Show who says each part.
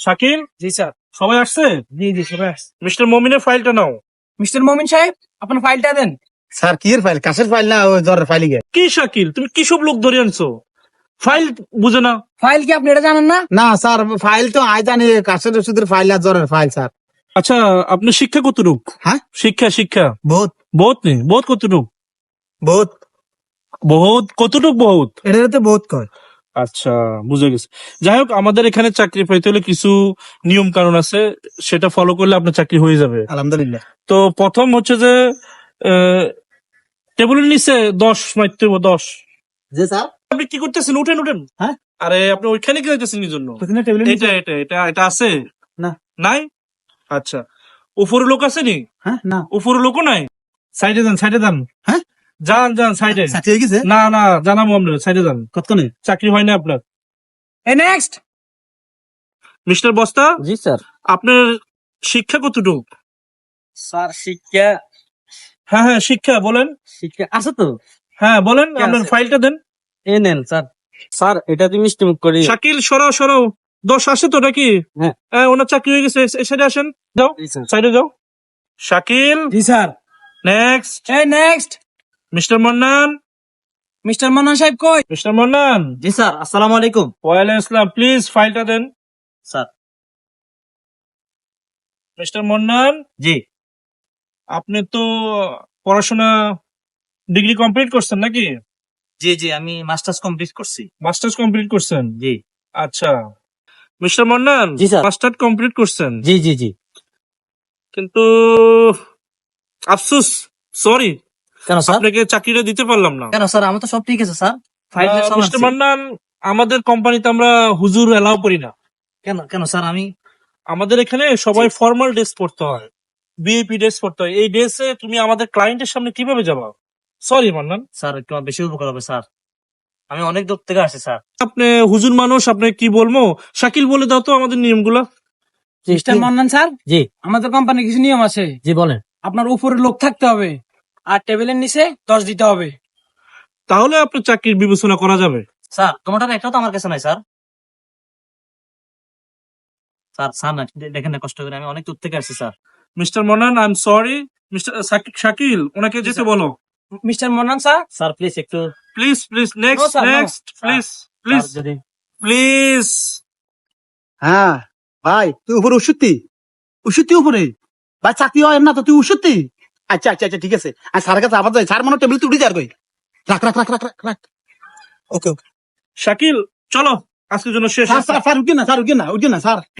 Speaker 1: শাকিল,
Speaker 2: জি স্যার।
Speaker 1: সবাই আসছে?
Speaker 2: জি জি সবাই আসছে।
Speaker 1: মিস্টার মমিনের ফাইলটা নাও।
Speaker 2: মিস্টার মমিন সাহেব, আপনার ফাইলটা দেন।
Speaker 3: স্যার কি এর ফাইল? কাশের ফাইল না ওই জ্বরের ফাইল গে?
Speaker 1: কি শাকিল, তুমি কি সব লোক ধরে আনছো? ফাইল বুঝে না?
Speaker 2: ফাইল কি আপনি এটা জানেন না?
Speaker 3: না স্যার, ফাইল তো আই জানি, কাশের ওষুধের ফাইল আর জ্বরের ফাইল স্যার।
Speaker 1: আচ্ছা, আপনার শিক্ষা কতটুক?
Speaker 3: হ্যাঁ,
Speaker 1: শিক্ষা
Speaker 3: বহুত
Speaker 1: বহুত নেই, বহুত কতটুক?
Speaker 3: বহুত
Speaker 1: বহুত কতটুক? বহুত।
Speaker 3: এটার তো বহুত কয়।
Speaker 1: আচ্ছা, বুঝে গেছে। যাই হোক, আমাদের এখানে চাকরি পাইতে হলে কিছু নিয়ম কানুন আছে, সেটা ফলো করলে আপনার চাকরি হয়ে যাবে।
Speaker 3: আলহামদুলিল্লাহ।
Speaker 1: তো প্রথম হচ্ছে যে টেবিলের নিচে 10 মারতে হবে, 10।
Speaker 3: জি স্যার।
Speaker 1: আপনি কি করতেছেন? উঠেন উঠেন।
Speaker 3: হ্যাঁ,
Speaker 1: আরে আপনি ওইখানে কি যাইতেছেন কি জন্য?
Speaker 3: ওখানে টেবিলের নিচে।
Speaker 1: এটা আছে
Speaker 3: না।
Speaker 1: নাই? আচ্ছা, উপরে লোক আছে নি?
Speaker 3: হ্যাঁ, না।
Speaker 1: উপরে লোকও নাই? সাইডে যান।
Speaker 3: হ্যাঁ,
Speaker 1: যান সাইডে।
Speaker 3: সাথে হয়ে গেছে।
Speaker 1: না জানাবো আমরা, সাইডে যান।
Speaker 3: কতক্ষণে?
Speaker 1: চাকরি হয় না আপনার।
Speaker 2: এই নেক্সট।
Speaker 1: মিস্টার বস্তা,
Speaker 4: জি স্যার।
Speaker 1: আপনার শিক্ষা কতটুক?
Speaker 4: স্যার শিক্ষা
Speaker 1: হ্যাঁ, শিক্ষা বলেন।
Speaker 4: শিক্ষা আছে তো।
Speaker 1: হ্যাঁ বলেন,
Speaker 4: ঠিক
Speaker 1: আপনার
Speaker 4: আছে।
Speaker 1: ফাইলটা দেন।
Speaker 4: এ নেন স্যার। স্যার এটা তুমি মিষ্টি মুখ করি।
Speaker 1: শাকিল, সরাও 10 আসে তো নাকি?
Speaker 4: হ্যাঁ।
Speaker 1: ওনার চাকরি হয়ে গেছে, এই সাইডে আসেন। যাও,
Speaker 4: জি স্যার।
Speaker 1: সাইডে যাও। শাকিল,
Speaker 2: জি স্যার।
Speaker 1: নেক্সট।
Speaker 2: এই next.
Speaker 1: Mister Mannan.
Speaker 2: Mister Mannan সাহেব কই?
Speaker 1: মিস্টার মান্নান।
Speaker 4: জি স্যার, আসসালামু আলাইকুম।
Speaker 1: ওয়ালাইকুম আসসালাম, প্লিজ ফাইলটা দেন।
Speaker 4: স্যার।
Speaker 1: মিস্টার মান্নান,
Speaker 4: জি
Speaker 1: আপনি তো পড়াশোনা ডিগ্রি কমপ্লিট করছেন নাকি?
Speaker 4: জি আমি মাস্টার্স কমপ্লিট করছি।
Speaker 1: মাস্টার্স কমপ্লিট করছেন?
Speaker 4: জি
Speaker 1: আচ্ছা, মিস্টার মান্নান।
Speaker 4: জি, স্যার।
Speaker 1: মাস্টার্স কমপ্লিট করছেন,
Speaker 4: জি
Speaker 1: কিন্তু আফসোস, সরি,
Speaker 4: কেন স্যার?
Speaker 1: আপনাকে চাকরিটা দিতে পারলাম না।
Speaker 4: কেন স্যার? আমার তো সব ঠিক আছে স্যার। ফাইল সব
Speaker 1: মিস্টার
Speaker 4: আছে।
Speaker 1: মান্নান, আমাদের কোম্পানিতে আমরা হুজুর এলাও করি না।
Speaker 4: কেন স্যার?
Speaker 1: আমাদের এখানে সবাই ফর্মাল ড্রেস পরতে হয়, বিএপি ড্রেস পরতে হয়। এই ড্রেসে তুমি আমাদের ক্লায়েন্টের সামনে কিভাবে যাবা? সরি মান্নান।
Speaker 4: স্যার একটু বেশি উপকার হবে স্যার। আমি অনেক দূর থেকে আসছি স্যার।
Speaker 1: আপনি হুজুর মানুষ, আপনি কি বলবো? শাকিল বলে দাও তো আমাদের নিয়মগুলা।
Speaker 2: মিস্টার মান্নান স্যার,
Speaker 4: জি
Speaker 2: আমাদের কোম্পানির কিছু নিয়ম আছে।
Speaker 4: জি বলেন।
Speaker 2: আপনার উপরে লোক থাকতে হবে আর টেবিলের নিচে 10 দিতে হবে।
Speaker 1: তাহলে আপনার চাকরির বিবেচনা করা যাবে।
Speaker 4: স্যার তোমারটা একটাও তো আমার কাছে নাই স্যার। স্যার না দেখেন না, কষ্ট করে আমি অনেক দূর থেকে আসছি sir.
Speaker 1: Mister Mannan, I am sorry. Mister Shakil, ওনাকে যেতে
Speaker 4: স্যার।
Speaker 1: বলো।
Speaker 2: Mister Mannan sir.
Speaker 4: Sir please একটু।
Speaker 1: Please
Speaker 2: No, sir, no.
Speaker 1: Next please
Speaker 4: sir, যদি
Speaker 1: প্লিজ।
Speaker 3: হ্যাঁ ভাই, তুই উপরে ওষুধটি উপরে ভাই, চাকরি হয় না তো তুই ওষুধটি। আচ্ছা, ঠিক আছে। আর স্যারের কাছে আবার যাই, স্যার মনে টেবিল তুলে যার কই। রাখ। ওকে।
Speaker 1: শাকিল, চলো, আজকের জন্য শেষ।
Speaker 3: স্যার উঠে না স্যার।